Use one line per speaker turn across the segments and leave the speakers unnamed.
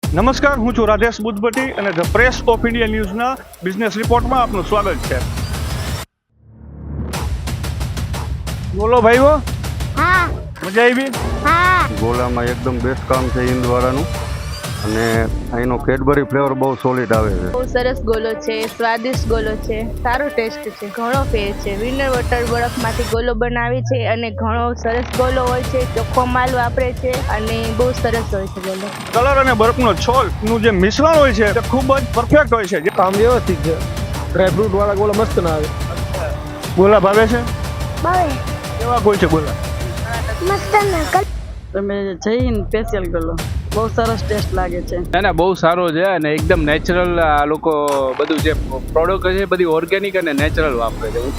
નમસ્કાર, હું છું રાધેશ બુદ્ધભટ્ટી અને ધ પ્રેસ ઓફ ઇન્ડિયા ન્યૂઝના બિઝનેસ રિપોર્ટમાં આપનું સ્વાગત છે. બોલો ભાઈઓ,
હા
મજા આવી?
હા
ગોલામાં એકદમ બેસ્ટ કામ છે ઇન્દવાળાનું, અને અહીંનો કેડબરી ફ્લેવર બહુ સોલિડ આવે છે.
બહુ સરસ ગોલો છે, સ્વાદિષ્ટ ગોલો છે, સારો ટેસ્ટ છે, ઘણો ફેર છે. વિનર વોટર બરફમાંથી ગોલો બનાવે છે અને ઘણો સરસ ગોલો હોય છે. ચોખ્ખો માલ વાપરે છે અને બહુ સરસ હોય છે ગોલો.
કલર અને બરફનો છોલનું જે મિશ્રણ હોય છે તે ખૂબ જ પરફેક્ટ હોય છે.
કામ વ્યવસ્થિત છે. ડ્રાયફ્રૂટ વાળા ગોળા મસ્ત ના આવે.
ગોલા ભાવે છે?
ભાવે
કેવા કોઈ છે ગોલા?
મસ્ત ના
તમે જઈને સ્પેશિયલ ગોલો બહુ સરસ ટેસ્ટ લાગે છે.
ના બહુ સારો છે અને એકદમ નેચરલ. આ લોકો બધું જે પ્રોડક્ટ છે બધી ઓર્ગેનિક અને નેચરલ વાપરે છે.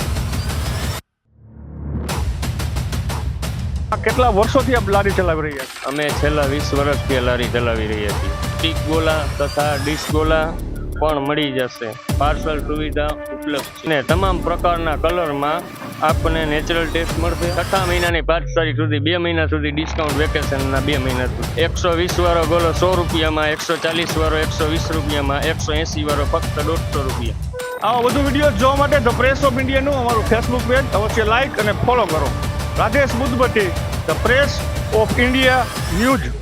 કેટલા વર્ષોથી આપ લારી ચલાવી રહ્યા છો?
અમે છેલ્લા 20 વર્ષથી આ લારી ચલાવી રહ્યા છીએ. સ્ટીક ગોલા તથા ડીશ ગોલા પણ મળી જશે. પાર્સલ સુવિધા ઉપલબ્ધ છે અને તમામ પ્રકારના કલરમાં આપણને નેચરલ ટેસ્ટ મળશે. 6 મહિનાની 5 તારીખ સુધી 2 મહિના સુધી ડિસ્કાઉન્ટ, વેકેશનના 2 મહિના સુધી. 120 વાળો ગોલો 100 રૂપિયામાં, 140 વાળો 120 રૂપિયામાં, 180 વાળો ફક્ત 150 રૂપિયા.
આવા વધુ વિડીયો જોવા માટે ધ પ્રેસ ઓફ ઇન્ડિયાનું અમારું ફેસબુક પેજ અવશ્ય લાઈક અને ફોલો કરો. Radhesh Buddhbhatti, the Press of India news.